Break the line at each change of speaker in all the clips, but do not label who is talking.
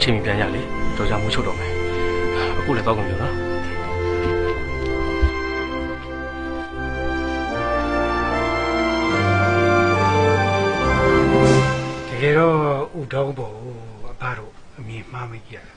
ချိန်ပြန်ရလေတော်ကြမှုချုပ်တော့မယ်အခုလည်းတော့ကုန်ပြီနော်
တကယ်တော့ဥတောင်းပေါ်အဖတို့အမြင်မှားမကြည့်ရ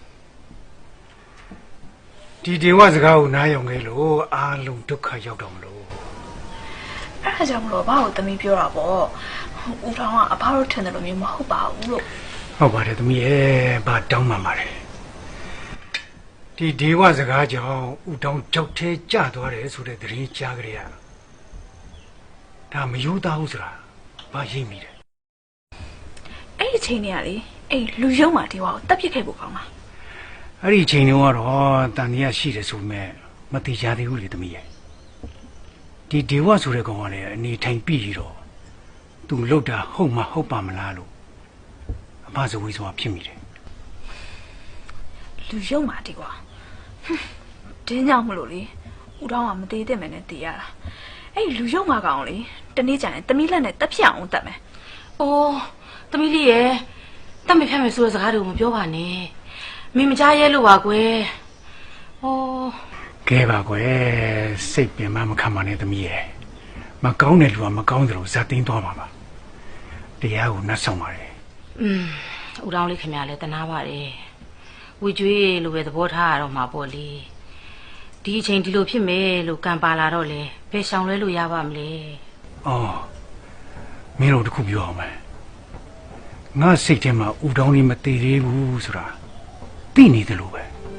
ဒီဒေဝစကားကိုနားယောင်ခဲ့လို့အားလုံးဒုက္ခရောက်တော့မလို့
အဲ့ဒါကြောင့်မလို့ဘာလို့သမီးပြောတာပေါ့ဦးထောင်ကအဖတို့ထင်တယ်လို့မျိုးမဟုတ်ပါဘူးလို့
ဟုတ်ပါတယ်သမီးရဲ့ဘာတောင်းမှမှာလဲဒီဒေဝစကားကြောင့်ဦးတောင်းကြောက်သေးကြသွားတယ်ဆိုတဲ့သတင်းကြားကြရဒါမယူသားဘူးဆိုတာဘာရိပ်မိတယ်
အဲ့ဒီချိန်တွေကလေအဲ့လူယုံမာဒေဝကိုတက်ပစ်ခဲ့ဖို့ကောင်းလား
အဲ့ဒီချိန်တုန်းကတော့တန်တရားရှိတယ်ဆိုပေမဲ့မတိကြသေးဘူးလေသမီးရဲ့ဒီဒေဝဆိုတဲ့ကောင်ကလည်းအနေထိုင်ပြီးတော့သူလှုပ်တာဟုတ်မှဟုတ်ပါမလားလို့အမဇဝေးဆိုတာဖြစ်မိတယ်
လူယုံမာဒေဝတင်းကြောင်မလို့လေဦးတောင်းကမသေးတဲ့မယ်နဲ့တည်ရတာအဲ့လူယုံမာကောင်လေတနေ့ကျရင်သမီးလက်နဲ့တက်ပြအောင်တက်မယ်
အိုးသမီးလေးရဲ့တက်မဖြတ်မယ်ဆိုတဲ့စကားတွေကိုမပြောပါနဲ့မင်းမကြားရဲလို့ပါကွယ်။အိုး
ကဲပါကွယ်စိတ်ပင်မခံပါနဲ့သမီးရဲ့မကောင်းတဲ့လူကမကောင်းတယ်လို့ဇာတင်းသွားပါပါတရားကိုနှက်ဆောင်ပါတယ်
ဦးတောင်းလေးခင်ဗျာလည်းတနာပါတယ်ဝေကျွေးလိုပဲသဘောထားရတော့မှာပေါ့လေဒီအချိန်ဒီလိုဖြစ်မယ်လို့ကံပါလာတော့လေဘယ်ရှောင်လဲလို့ရပါမလဲ
အော်မင်းတို့တခုပြောအောင်မယ်ငါစိတ်ထဲမှာဦးတောင်းလေးမတည်သေးဘူးဆိုတာသိနေတယ်လို့ပဲ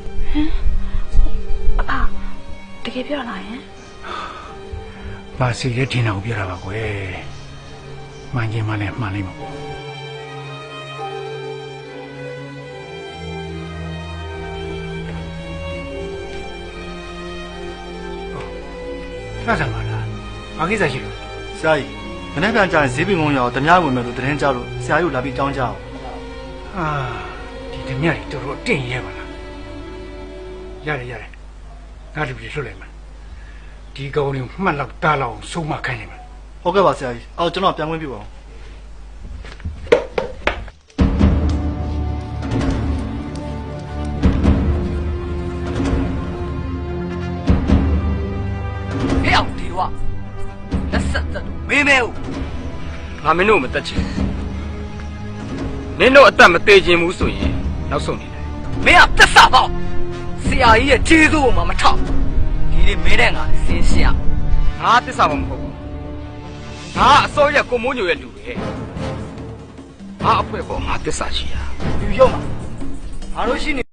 အဖတကယ်ပြောလာရင်
ဘာစီရဲတင်အောင်ပြောတာပါကွယ်မှန်ချင်းမှလည်းမှန်လိမ့်မှာပေါ့ဆက်ဆံပါလားဘာကိစ္စရှိလို့
ဆရာကြီးမနေ့ကကြာရင်ဈေးပင်ကုန်းရောက်တ냐ဝင်မယ်လို့သတင်းကြားလို့ဆရာကြီးကိုလာပြီးတောင်းကြအောင်
ဒီတ냐တွေတော်တော်တင့်ရဲပါလားရတယ်ငါတို့ပြည်လွတ်လိုက်မယ်ဒီကောင်လေးမှတ်လောက်တားလောက်ဆုံးမခိုင်းနေမယ်
ဟုတ်ကဲ့ပါဆရာကြီးအော်ကျွန်တော်ပြန်ဝင်ပြပါဦး
ဟဲ့အောင်ဒီဝလက်ဆက်သက်မင်းမဲဦး
ငါမင်းတို့မတက်ချင်နင်းတို့အသက်မသေးခြင်းဘူးဆိုရင်နောက်ဆုံးနေတယ်
မင်းကသက်စာပေါ့ဆရာကြီးရဲ့ခြေစိုးကိုမှမထောက်ဒီနေ့မင်းတဲ့ငါစင်းရှင်း
ငါသစ္စာမဟုတ်ဘူးငါအစိုးရကိုမိုးညိုရဲ့လူပဲငါအဖွဲပေါ်ငါသစ္စာရှိတာ
လူရုံမှာငါတို့ရှိနေ